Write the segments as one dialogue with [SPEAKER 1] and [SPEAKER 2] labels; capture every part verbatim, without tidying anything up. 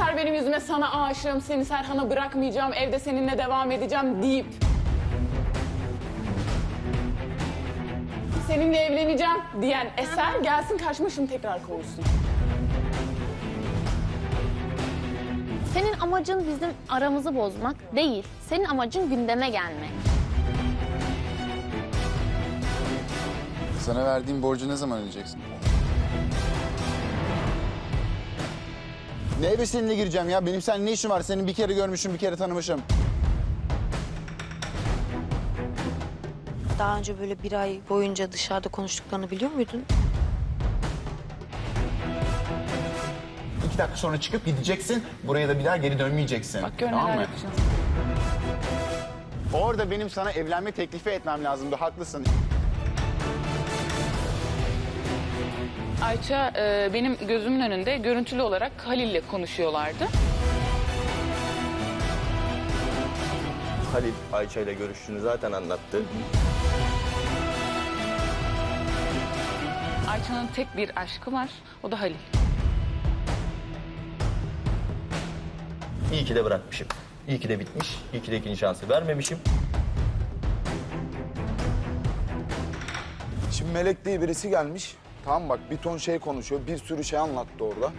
[SPEAKER 1] Eser benim yüzüme sana aşığım, seni Serhan'a bırakmayacağım, evde seninle devam edeceğim deyip seninle evleneceğim diyen Eser gelsin karşıma şunu tekrar konuşsun.
[SPEAKER 2] Senin amacın bizim aramızı bozmak değil. Senin amacın gündeme gelmek.
[SPEAKER 3] Sana verdiğim borcu ne zaman ödeyeceksin? Ne eve seninle gireceğim ya? Benim seninle ne işim var? Seni bir kere görmüşüm, bir kere tanımışım.
[SPEAKER 4] Daha önce böyle bir ay boyunca dışarıda konuştuklarını biliyor muydun?
[SPEAKER 3] İki dakika sonra çıkıp gideceksin. Buraya da bir daha geri dönmeyeceksin.
[SPEAKER 1] Bak gör
[SPEAKER 3] Tamam
[SPEAKER 1] neler
[SPEAKER 3] mı?
[SPEAKER 1] yapacağız.
[SPEAKER 3] Orada benim sana evlenme teklifi etmem lazımdı. Haklısın.
[SPEAKER 1] Ayça e, benim gözümün önünde görüntülü olarak Halil'le konuşuyorlardı.
[SPEAKER 5] Halil Ayça ile görüştüğünü zaten anlattı.
[SPEAKER 1] Ayça'nın tek bir aşkı var, o da Halil.
[SPEAKER 5] İyi ki de bırakmışım. İyi ki de bitmiş. İyi ki de ikinci şansı vermemişim.
[SPEAKER 6] Şimdi Melek diye birisi gelmiş. Tamam bak bir ton şey konuşuyor. Bir sürü şey anlattı orada.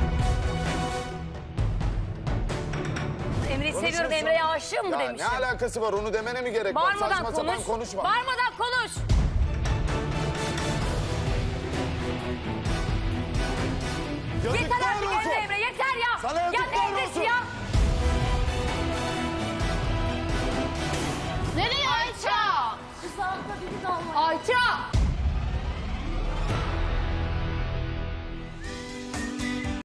[SPEAKER 7] Emre'yi seviyorum, Emre'ye aşığım mı
[SPEAKER 6] Ya
[SPEAKER 7] demişim.
[SPEAKER 6] ne alakası var onu demene mi gerek var?
[SPEAKER 7] Bağırmadan
[SPEAKER 6] Saçma
[SPEAKER 7] konuş.
[SPEAKER 6] sapan konuşma.
[SPEAKER 7] Bağırmadan konuş. Yeter artık Emre Emre yeter ya.
[SPEAKER 6] Sana
[SPEAKER 7] ya
[SPEAKER 6] yazıklar
[SPEAKER 7] ne Emre'si
[SPEAKER 6] olsun.
[SPEAKER 7] ya?
[SPEAKER 2] Nereye Ayça? Ayça!